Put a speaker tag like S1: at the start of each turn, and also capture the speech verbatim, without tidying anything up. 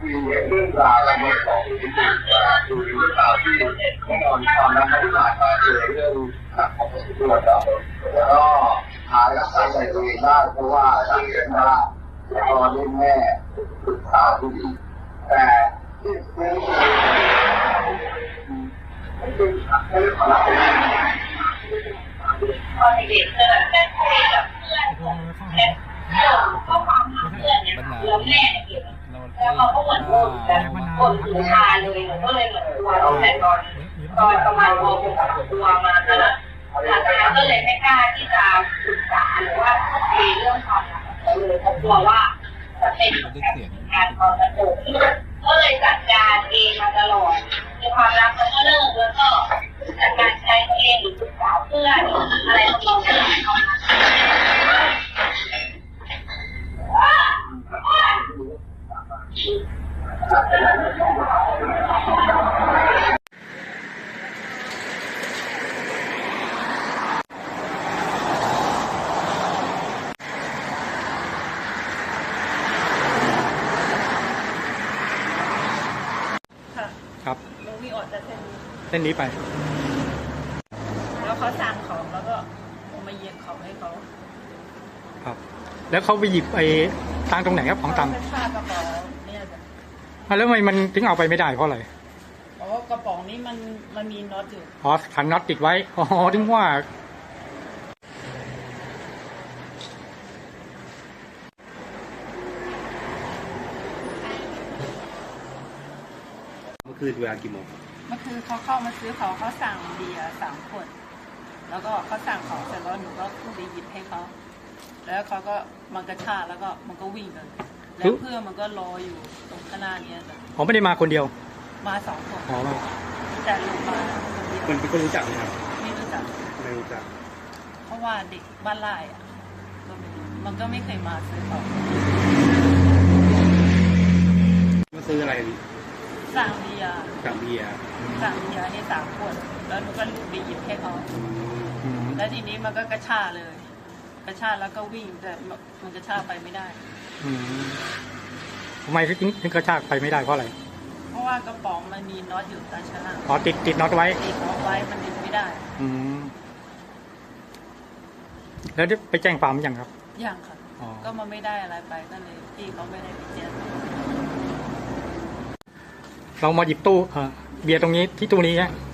S1: มีเรื่องราวและมันของที่ดูดูเรื่องราวที่แน่นอนความรักที่ผ่านมาคือเรื่องของตัวเราแล้วก็หารักษาใจตัวเองได้เพราะว่าสังเกตว่าตอนนี้แม่ศึกษาที่ดีแต่ที่เป็น
S2: ตอนเด็กๆจะแบบแม่คุยกับเพื่อนแค่ข้อความหาเพื่อนเนี่ยแล้วแม่เนี่ยเก็บแล้วเขาก็เหมือนบ่นแบบบ่นถึงชาเลยก็เลยเหมือนตัวเราแต่ตอนตอนประมาณม .หก ตัวมาก็หลังจากนั้นก็เลยไม่กล้าที่จะศึกษาหรือว่าคุยเรื่องความรักเลยเพราะกลัวว่าจะเป็นการตอนกระโดดก็เลยจัดการเองมาตลอดมีความรักมันก็เลิกแล้วก็จัดการใช้เองหรือศึกษาเพื่อนอะไรทำนองนี้เข้ามา
S3: ครับ
S2: ลงมีอดจะเส้น
S3: เส้นนี้ไป
S2: แล้วเขาสั่งของแล้วก็มาเหยียบของให้เขา
S3: ครับแล้วเขาไปหยิบไอ้ตังตรงไหนครับของตัง
S2: เป็นผ้ากระเป๋าเนี่ยจ้ะ
S3: แล้วทำไมมันถึงเอาไปไม่ได้เพราะอะไร
S2: อ๋อกระป๋องนี้มันมันมีน็อตอยู่
S3: อ๋อขันน็อตติดไว้อ๋อถึงว่า
S4: เมื่อคืนเวลากี่โมง
S2: เมื่อคืนเขาเข้ามาซื้อเขาเขาสั่งเบียร์สามขวดแล้วก็เขาสั่งของเสร็จแล้วหนูก็ไปหยิบให้เขาแล้วเขาก็มันกระชากแล้วก็มันก็วิ่งเลยแล้วเพื่อนมันก็รออยู่ตรงข้างหน้านี้จ้ะ
S3: ผมไม่ได้มาคนเดียว
S2: มาสองคน
S3: อ๋อ
S2: แต่ลงมา
S4: คนที่ก็รู้จักไหมครับ
S2: ไม่รู้จัก
S4: ไม่รู้จัก
S2: เพราะว่าเด็กบ้านไร่อะมันก็ไม่เคยมาซื้อของ
S4: มาซื้ออะไร
S2: สั่งเบียร์
S4: สั่งเบียร์
S2: สั่งเบียร์นี่สามขวดแล้วหนูก็ไปหยิบให้เขาแล้วทีนี้มันก็กระชากเลย กระชากแล้วก็วิ่งแต่มันกระชากไปไม่ได้
S3: ทำไมถึงถึงกระชากไปไม่ได้เพราะอะไร
S2: เพราะว่ากระป๋องมันมีน็อตอยู่ตาชนะ
S3: อ๋อติดติดน็อตไว้
S2: ติดน็อตไว้มันดึงไม่ได้
S3: อืมแล้วได้ไปแจ้งความยังครับ
S2: ยังค่ะก็มาไม่ได้อะไรไปก็เลยพี่เขาไม่ได้ไปแจ้ง
S3: เรามาหยิบตู้เบียร์ตรงนี้ที่ตู้นี้ฮะ